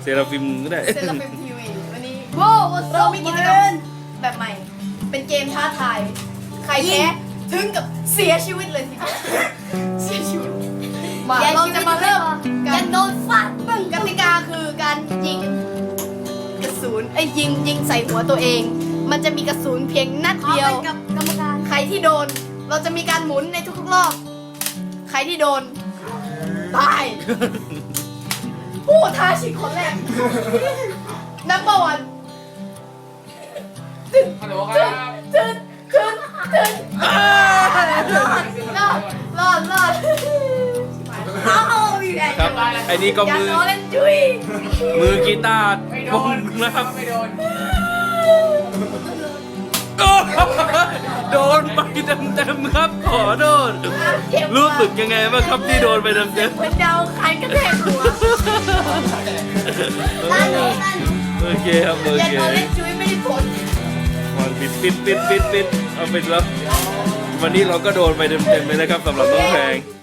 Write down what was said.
ราฟิมก็ได้เซราฟิมทีวีวันนี้เรามีกิจกรรมแบบใหม่ เป็นเกมท้าทาย ใครแพ้ถึงกับเสียชีวิตเลยทีเดียวเสียชีวิตมาเราจะมาเริ่มการโดนฟาดปึ้งกติกาคือการยิงกระสุนยิงใส่หัวตัวเอง มันจะมีกระสุนเพียงนัดเดียวกับกรรมการใครที่โดนเราจะมีการหมุนในทุกๆรอบใครที่โดนตายผู้ท้าชิงคนแรกnumber one ฮัลโหลครับถึงรอดเอาอีกแล้วครับไอ้นี่ก็อย่ามือล้อเล่นจุ้ยมือกีตาร์ไม่โดวงนนะครับไม่โดนโดนไปเต็มๆครับขอโทษรู้สึกยังไงบ้างครับที่โดนไปเต็มเหมือนเดาใครกระแทกหัวๆโอเคครับโออย่าเคล้อเล่นจุ้ยไม่ได้ผลวันปิดเอาไปแล้ววันนี้เราก็โดนไปเต็มๆเลยนะครับสำหรับน้องแพง